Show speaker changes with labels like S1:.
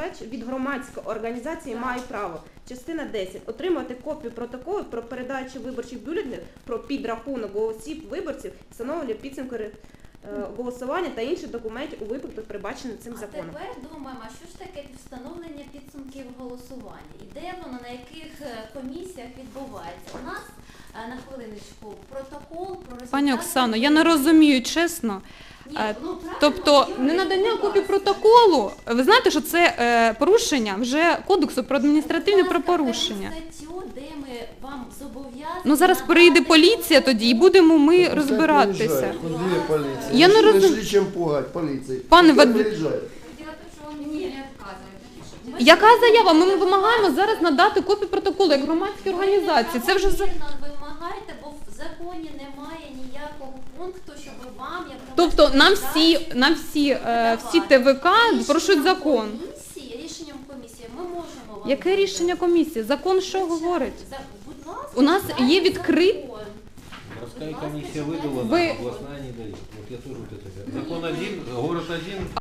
S1: від громадської організації має право. Частина 10. Отримати копію протоколу про передачу виборчих бюлетенів, про підрахунок голосів виборців, встановлення підсумку голосування та інших документів у випадках, передбачених цим законом.
S2: А тепер думаємо, а що ж таке встановлення підсумків голосування? І де воно, на яких комісіях відбувається? У нас, на хвилиночку, протокол про результати...
S3: Пані Оксано, я не розумію, чесно. Тобто ненадання копії протоколу, ви знаєте, що це порушення вже Кодексу про адміністративні правопорушення.
S2: Статтю, де ми вам зобов'язані...
S3: Ну зараз перейде поліція тоді і будемо ми розбиратися. Я не розумію. Пане Вадим, яка заява? Ми вимагаємо зараз надати копію протоколу як громадські організації. Це вже
S2: вимагайте, бо в законі немає ніякого пункту, щоб вам як
S3: тобто нам всі ТВК порушують закон.
S2: Рішенням комісії ми можемо вам...
S3: Яке рішення комісії? Закон що говорить?
S2: Будь ласка,
S3: У нас є відкритий...
S4: Городская комиссия выдала, областная не дает. Вот я тоже вот это. Закон один, город один.